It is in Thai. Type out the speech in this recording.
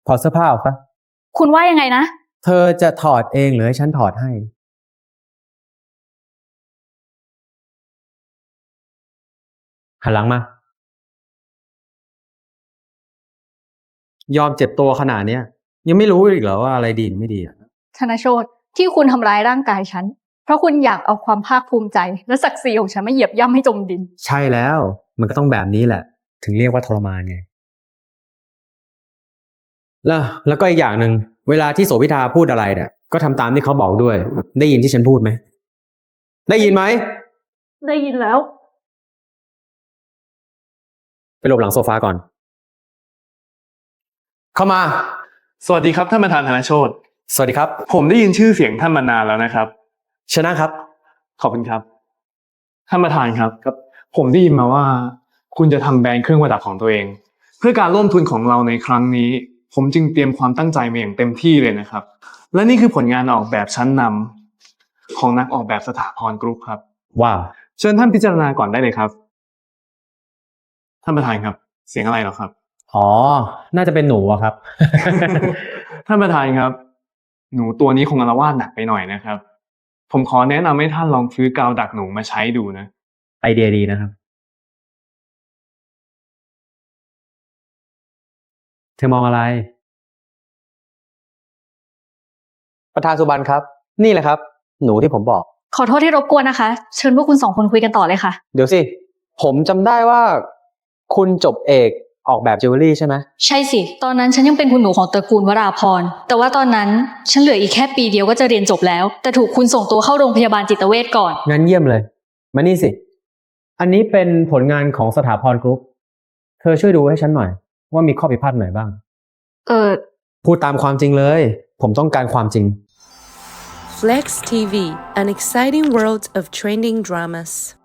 ถอดเสื้อผ้าออกปะคุณว่ายังไงนะเธอจะถอดเองหรือให้ฉันถอดให้หันหลังมายอมเจ็บตัวขนาดเนี้ยยังไม่รู้อีกเหรอว่าอะไรดีไม่ดีอ่ะธนโชติที่คุณทำร้ายร่างกายฉันเพราะคุณอยากเอาความภาคภูมิใจและศักดิ์ศรีของฉันมาเหยียบย่ำให้จมดินใช่แล้วมันก็ต้องแบบนี้แหละถึงเรียกว่าทรมานไงแล้วก็อีกอย่างหนึ่งเวลาที่โสภิธาพูดอะไรเนี่ยก็ทำตามที่เขาบอกด้วยได้ยินที่ฉันพูดไหมได้ยินไหมได้ยินแล้วไปหลบหลังโซฟาก่อนเข้ามาสวัสดีครับท่านประธานธนโชติสวัสดีครับผมได้ยินชื่อเสียงท่านมานานแล้วนะครับชนะครับขอบคุณครับท่านประธานครับผมได้ยินมาว่าคุณจะทำแบรนด์เครื่องประดับของตัวเองเพื่อการร่วมทุนของเราในครั้งนี้ผมจึงเตรียมความตั้งใจมาอย่างเต็มที่เลยนะครับและนี่คือผลงานออกแบบชั้นนำของนักออกแบบสถาพรกรุ๊ปครับว้าวเชิญท่านพิจารณาก่อนได้เลยครับท่านประธานครับเสียงอะไรเหรอครับอ๋อน่าจะเป็นหนูอะครับท่านประธานครับหนูตัวนี้คงอาละวาดหนักไปหน่อยนะครับผมขอแนะนำให้ท่านลองซื้อกาวดักหนูมาใช้ดูนะไอเดียดีนะครับเธอมองอะไรประธานสุบรรณครับนี่แหละครับหนูที่ผมบอกขอโทษที่รบกวนนะคะเชิญพวกคุณ2 คนคุยกันต่อเลยค่ะเดี๋ยวสิผมจำได้ว่าคุณจบเอกออกแบบจิวเวลรี่ใช่ไหมใช่สิตอนนั้นฉันยังเป็นคุณหนูของตระกูลวราพรแต่ว่าตอนนั้นฉันเหลืออีกแค่ปีเดียวก็จะเรียนจบแล้วแต่ถูกคุณส่งตัวเข้าโรงพยาบาลจิตเวชก่อนงั้นเยี่ยมเลยมานี่สิอันนี้เป็นผลงานของสถาพรกรุ๊ปเธอช่วยดูให้ฉันหน่อยว่ามีข้อผิดพลาดไหนบ้างพูดตามความจริงเลยผมต้องการความจริง Flex TV, an exciting world of trending dramas.